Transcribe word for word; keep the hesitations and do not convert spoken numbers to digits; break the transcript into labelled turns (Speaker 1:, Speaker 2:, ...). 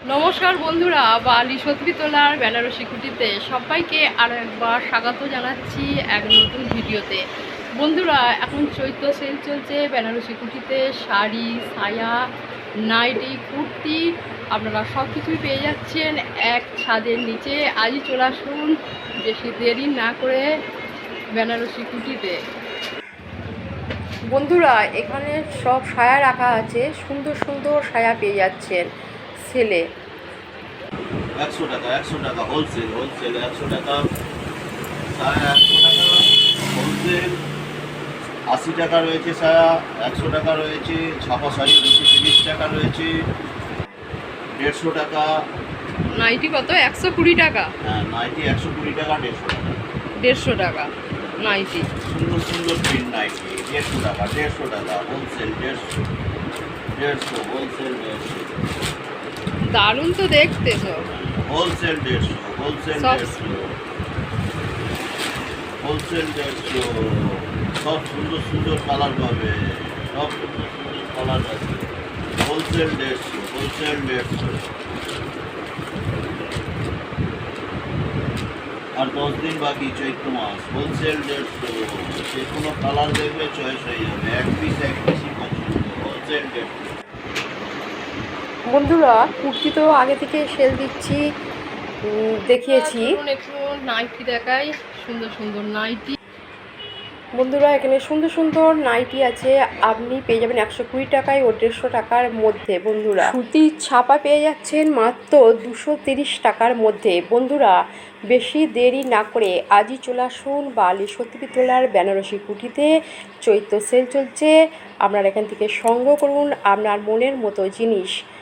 Speaker 1: নমস্কার বন্ধুরা, বালি সত্যিতলার বেনারসি কুটিতে সবাইকে আরও একবার স্বাগত জানাচ্ছি এক নতুন ভিডিওতে। বন্ধুরা, এখন চৈত্র সেল চলছে বেনারসি কুটিতে। শাড়ি, সায়া, নাইটি, কুর্তি আপনারা সব কিছুই পেয়ে যাচ্ছেন এক ছাদের নিচে। আজই চলে আসুন, বেশি দেরি না করে বেনারসি কুটিতে। বন্ধুরা, এখানে সব সায়া রাখা আছে, সুন্দর সুন্দর সায়া পেয়ে যাচ্ছেন সেলে।
Speaker 2: একশো টাকা একশো টাকা হোলসেল হোলসেল একশো টাকা সায়া, একশো টাকা হোলসেল। আশি টাকা রয়েছে সায়া, একশো টাকা রয়েছে। ছাপা শাড়ি দুশো তিরিশ টাকা রয়েছে, দেড়শো টাকা।
Speaker 1: নাইটি কত? একশো কুড়ি টাকা।
Speaker 2: হ্যাঁ, নাইটি একশো কুড়ি টাকা, দেড়শো টাকা।
Speaker 1: দেড়শো টাকা নাইটি।
Speaker 2: সুন্দর সুন্দর প্রিন্ট নাইটি দেড়শো টাকা, দেড়শো টাকা হোলসেল, দেড়শো দেড়শো হোলসেল, দেড়শো।
Speaker 1: দারুণ তো দেখতে সব।
Speaker 2: হোলসেল দেড়শো, হোলসেল
Speaker 1: সব
Speaker 2: দেড়শো, হোলসেল দেড়শো। সব সুন্দর সুন্দর কালার পাবে, সব সুন্দর সুন্দর কালার আছে। হোলসেল দেড়শো, হোলসেল দেড়শো। আর দশ দিন বাকি চৈত্র মাস। হোলসেল দেড়শো, যে কোনো কালার দেখবে চয়েস হয়ে যাবে। এক পিস এক পিসই পছন্দ। হোলসেল দেড়শো।
Speaker 1: বন্ধুরা, কুর্তি তো আগে থেকে সেল দিচ্ছি, উম, দেখিয়েছি। একটু নাইটি দেখাই, সুন্দর সুন্দর নাইটি। বন্ধুরা, এখানে সুন্দর সুন্দর নাইটি আছে, আপনি পেয়ে যাবেন একশো কুড়ি টাকায় ও দেড়শো টাকার মধ্যে। বন্ধুরা, সুতির ছাপা পেয়ে যাচ্ছেন মাত্র দুশো তিরিশ টাকার মধ্যে। বন্ধুরা, বেশি দেরি না করে আজই চলে আসুন বালি সত্যিতলার বেনারসি কুটিতে। চৈত্র সেল চলছে, আপনারা এখান থেকে সংগ্রহ করুন আপনার মনের মতো জিনিস।